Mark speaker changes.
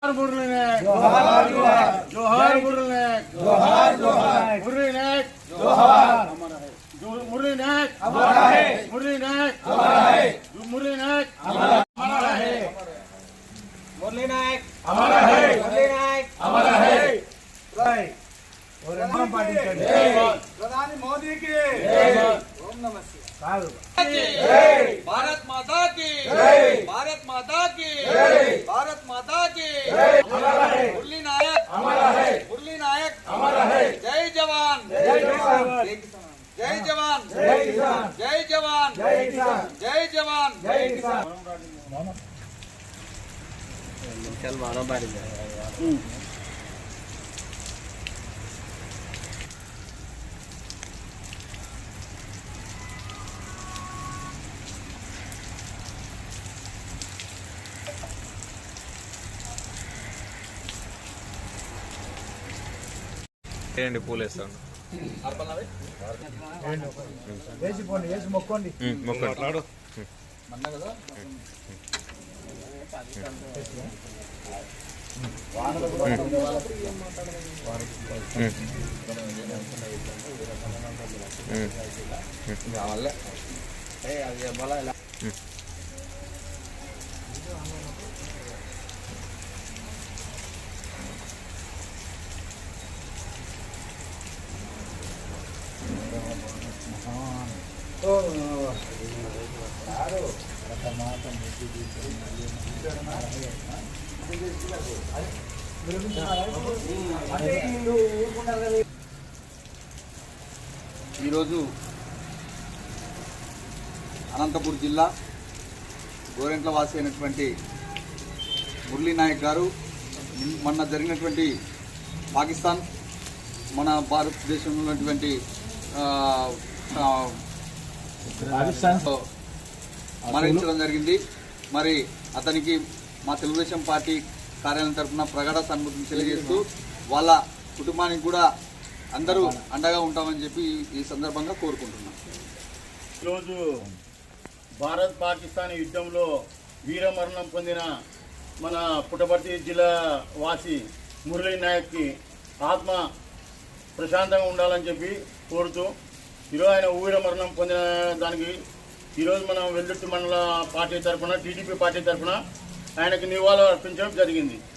Speaker 1: मुरली नायक जोहार जोहार जोहार मुरली नायक जोहार जोहार मुरली नायक जोहार मुरली नायक हमारा है मुरली नायक हमारा है मुरली नायक हमारा है मुरली नायक हमारा है मुरली नायक हमारा है प्रधानी मोदी की ओम नमः शिवाय भारत माता की भारत माता की भारत माता की मुरली नायक हमारा है मुरली नायक हमारा है जय जवान जय जवान जय जवान जय किसान जय जवान जय किसान जय जवान जय किसान चल मारो बारी
Speaker 2: ఏంటి పూలు వేస్తాను
Speaker 3: మొక్కండి
Speaker 2: మొక్కండి
Speaker 4: ఈరోజు అనంతపూర్ జిల్లా గోరెంట్ల వాసి అయినటువంటి మురళీ నాయక్ గారు మొన్న జరిగినటువంటి పాకిస్తాన్ మన భారతదేశంలో ఉన్నటువంటి మరణించడం జరిగింది. మరి అతనికి మా తెలుగుదేశం పార్టీ కార్యాలయం తరఫున ప్రగాఢ సానుభూతిని తెలియజేస్తూ వాళ్ళ కుటుంబానికి కూడా అందరూ అండగా ఉంటామని చెప్పి ఈ సందర్భంగా కోరుకుంటున్నాం.
Speaker 1: ఈరోజు భారత్ పాకిస్తాన్ యుద్ధంలో వీరమరణం పొందిన మన పుట్టపర్తి జిల్లా వాసి మురళీ నాయక్కి ఆత్మ ప్రశాంతంగా ఉండాలని చెప్పి కోరుతూ ఈరోజు ఆయన వీరమరణం పొందిన దానికి ఈరోజు మనం వెల్లుర్తి మండల పార్టీ తరఫున టీడీపీ పార్టీ తరఫున ఆయనకు నివాళులు అర్పించడం జరిగింది.